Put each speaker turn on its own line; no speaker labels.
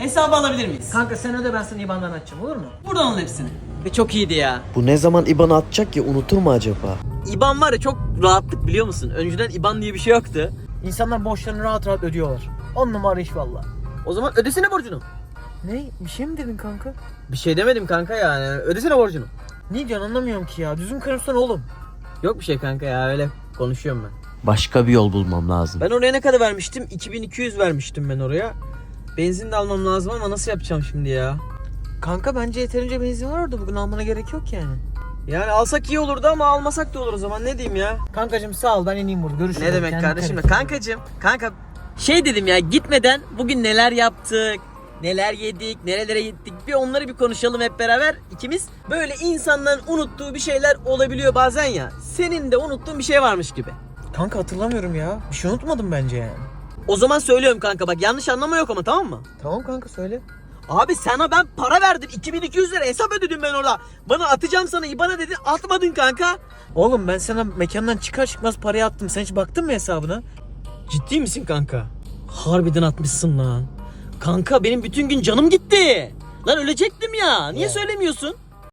Hesabı alabilir miyiz?
Kanka sen öde, ben sana IBAN'dan açacağım, olur mu?
Buradan alın hepsini. Çok iyiydi ya.
Bu ne zaman IBAN'ı atacak ki, unutur mu acaba?
İban var ya, çok rahatlık biliyor musun? Önceden İban diye bir şey yoktu.
İnsanlar borçlarını rahat rahat ödüyorlar. 10 numara iş valla.
O zaman ödesene borcunu.
Ne? Bir şey mi dedin kanka?
Bir şey demedim kanka yani. Ödesene borcunu.
Ne diyorsun anlamıyorum ki ya. Düzgün konuşsana oğlum.
Yok bir şey kanka ya, öyle konuşuyorum ben.
Başka bir yol bulmam lazım.
Ben oraya ne kadar vermiştim? 2200 vermiştim ben oraya. Benzin de almam lazım ama nasıl yapacağım şimdi ya?
Kanka bence yeterince benzin var orada. Bugün almana gerek yok yani.
Yani alsak iyi olurdu ama almasak da olur o zaman, ne diyeyim ya?
Kankacığım sağ ol, ben ineyim burada. Görüşürüz.
Ne demek
Kendine
kardeşim?
dikkat et.
Kankacığım, kanka şey dedim ya, gitmeden bugün neler yaptık, neler yedik, nerelere gittik, bir onları bir konuşalım hep beraber ikimiz. Böyle insanların unuttuğu bir şeyler olabiliyor bazen ya. Senin de unuttuğun bir şey varmış gibi.
Kanka hatırlamıyorum ya. Bir şey unutmadım bence yani.
O zaman söylüyorum kanka, bak yanlış anlama yok ama, tamam mı?
Tamam kanka söyle.
Abi sana ben para verdim, 2200 lira hesap ödedim ben orada. Bana atacağım sana IBAN'a dedin, atmadın kanka.
Oğlum ben sana mekandan çıkar çıkmaz parayı attım. Sen hiç baktın mı hesabına?
Ciddi misin kanka? Harbiden atmışsın lan. Kanka benim bütün gün canım gitti. Lan ölecektim ya. Niye
Ya.
söylemiyorsun?